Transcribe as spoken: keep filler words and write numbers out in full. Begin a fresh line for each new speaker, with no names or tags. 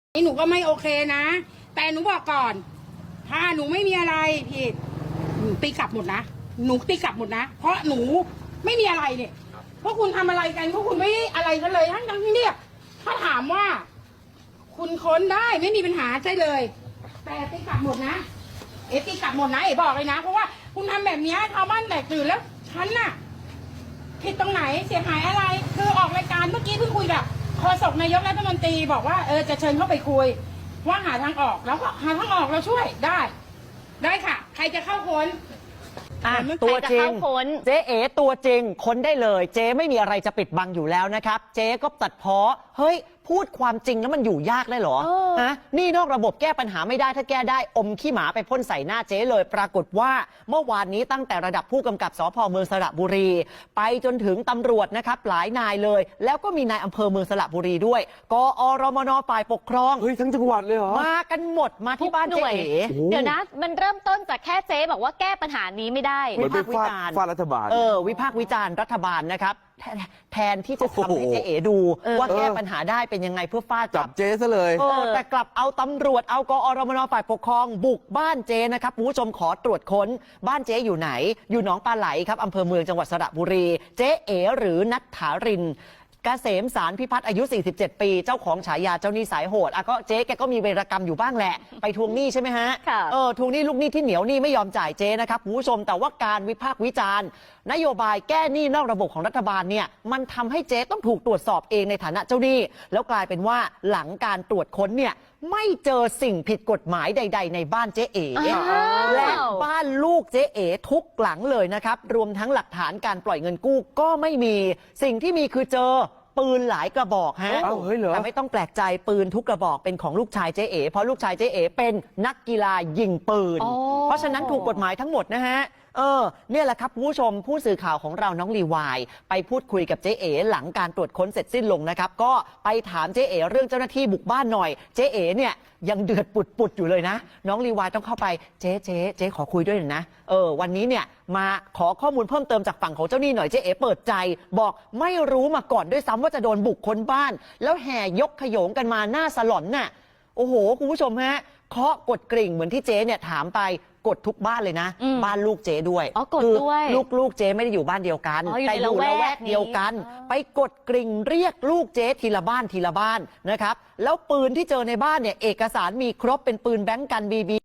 หนูก็ไม่โอเคนะแต่หนูบอกก่อนถ้าหนูไม่มีอะไรผิดหนูตีกลับหมดนะหนูตีกลับหมดนะเพราะหนูไม่มีอะไรเนี่ยพวกคุณทำอะไรกันพวกคุณไม่อะไรกันเลยทั้งทั้งที่เนี่ยถ้าถามว่า คุณค้นได้ไม่มีปัญหาใช่เลยแต่ตีกลับหมดนะเอตีกลับหมดนะเอ๋บอกเลยนะเพราะว่าคุณทำแบบนี้ชาวบ้านแตกตื่นแล้วฉันน่ะผิดตรงไหนเสียหายอะไรคือออกรายการเมื่อกี้เพิ่งคุยกับโฆษกนายกรัฐมนตรีบอกว่าเออจะเชิญเข้าไปคุยว่าหาทางออกแล้วก็หาทางออกเราช่วยได้ ได้ค่ะ ใครจะเข้าค้น
อ่ะตัวจริงเจ๊เอ๋ตัวจริงค้นได้เลยเจ๊ไม่มีอะไรจะปิดบังอยู่แล้วนะครับเจ๊ก็ตัดพ้อเฮ้ยพูดความจริงแล้วมันอยู่ยากได้เหรอฮะนี่นอกระบบแก้ปัญหาไม่ได้ถ้าแก้ได้อมขี้หมาไปพ่นใส่หน้าเจ๊เลยปรากฏว่าเมื่อวานนี้ตั้งแต่ระดับผู้กำกับสภ.เมืองสระบุรีไปจนถึงตำรวจนะครับหลายนายเลยแล้วก็มีนายอำเภอเมืองสระบุรีด้วยกอรมนฝ่ายปกครอง
เฮ้ยทั้งจังหวัดเลยเหรอ
มากันหมดมาที่บ้านเจ๊เอ๋
เดี๋ยวนะมันเริ่มต้นจากแค่เจ๊บอกว่าแก้ปัญหานี้ไม่ได้
เหมือนไปฟาดฟาดรัฐบาล
เออวิพากษ์วิจารณ์รัฐบาลนะครับแทนที่จะทำให้เจ๊เอ๋ดูว่าแก้ปัญหาได้เป็นยังไงเพื่อฟาด
จับเจ๊ซะเลย
เออแต่กลับเอาตำรวจเอากอรมนฝ่ายปกครองบุกบ้านเจ๊นะครับคุณผู้ชมขอตรวจค้นบ้านเจ๊อยู่ไหนอยู่หนองปลาไหลครับอำเภอเมืองจังหวัดสระบุรีเจ๊เอ๋หรือนัทธารินเกษมสารพิพัฒน์อายุสี่สิบเจ็ดปีเจ้าของฉายาเจ้าหนี้สายโหดอ่ะก็เจ๊แกก็มีเวรกรรมอยู่บ้างแหละไปทวงหนี้ใช่ไหมฮะเออทวงหนี้ลูกหนี้ที่เหนียวหนี้ไม่ยอมจ่ายเจ๊นะครับคุณผู้ชมแต่ว่าการวิพากษ์วิจารณ์นโยบายแก้หนี้นอกระบบของรัฐบาลเนี่ยมันทำให้เจ๊ต้องถูกตรวจสอบเองในฐานะเจ้าหนี้แล้วกลายเป็นว่าหลังการตรวจค้นเนี่ยไม่เจอสิ่งผิดกฎหมายใดๆในบ้านเจ๊เอ๋และบ้านลูกเจ๊เอ๋ทุกหลังเลยนะครับรวมทั้งหลักฐานการปล่อยเงินกู้ก็ไม่มีสิ่งที่มีคือเจอปืนหลายกระบอกฮะแต่ไม่ต้องแปลกใจปืนทุกกระบอกเป็นของลูกชายเจ๊เอ๋เพราะลูกชายเจ๊เอ๋เป็นนักกีฬายิงปืนเพราะฉะนั้นถูกกฎหมายทั้งหมดนะฮะเออเนี่ยแหละครับผู้ชมผู้สื่อข่าวของเราน้องลีวายไปพูดคุยกับเจ๊เอ๋หลังการตรวจค้นเสร็จสิ้นลงนะครับก็ไปถามเจ๊เอ๋เรื่องเจ้าหน้าที่บุกบ้านหน่อยเจ๊เอ๋เนี่ยยังเดือดปุดๆอยู่เลยนะน้องลีวายต้องเข้าไปเจ๊เจ๊เจ๊ขอคุยด้วยหน่อยนะเออวันนี้เนี่ยมาขอข้อมูลเพิ่มเติมจากฝั่งของเจ้าหนี้หน่อยเจ๊เอ๋เปิดใจบอกไม่รู้มาก่อนด้วยซ้ำว่าจะโดนบุกค้นบ้านแล้วแห่ยกขโยงกันมาหน้าสลอนน่ะโอ้โหคุณผู้ชมฮะเคาะกดกริ่งเหมือนที่เจ๊เนี่ยถามไปกดทุกบ้านเลยนะบ้านลูกเจ๊ด้วย
คือ
ลูกลูกเจ๊ไม่ได้อยู่บ้านเดียวกันแต่อยู่ละแวกเดียวกันไปกดกริ่งเรียกลูกเจ๊ทีละบ้านทีละบ้านนะครับแล้วปืนที่เจอในบ้านเนี่ยเอกสารมีครบเป็นปืนแบงก์กันบีบี